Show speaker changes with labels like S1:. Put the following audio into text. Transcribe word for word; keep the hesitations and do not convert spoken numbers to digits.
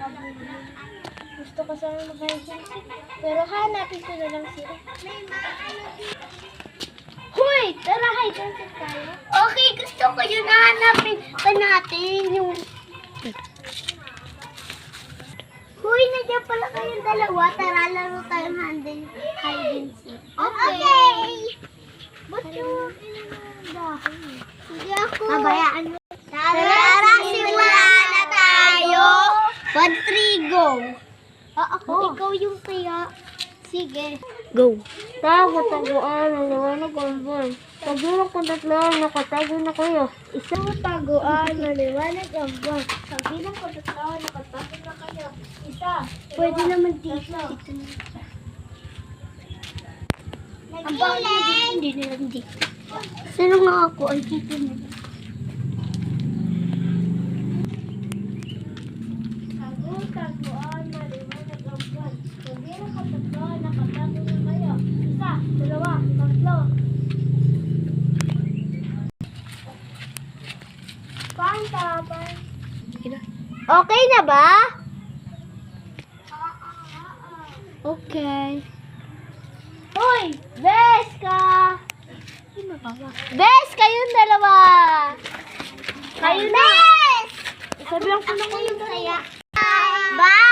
S1: Gusto ko sana mag-hide. Pero hanapin ko na lang sila. Hoy! Tara, hide and seek tayo. Okay, gusto ko yun. Hanapin pa natin yung... Hoy, nandiyan pala kayong dalawa. Tara, laro tayong hide and seek. Okay! Ba't yung dahon? Hindi ako. Pabayaan mo. Tara, simulan na tayo. One, three, go. Ah, ako. Ikaw yung kaya. Sige.
S2: Go.
S1: Tago, taguan, maliwanag ang buwan. Pagbilang ko tatlo, nakatago na kayo. Isang taguan, maliwanag ang buwan. Pagbilang ko tatlo, nakatago na kayo. Isa. Pwede naman dito. Ang bawal hindi na lang dito. Sino nga ako ay dito na lang. Tago, taguan, maliwanag ang buwan. Pagbilang ko tatlo, nakatago na kayo. Isa, dalawa, tatlo. Panta, panta. Okay na ba? Okay. Hoy! Beska! Bes! Kayong dalawa! Kayo na! Sabi lang ko na kayong saya. Bye!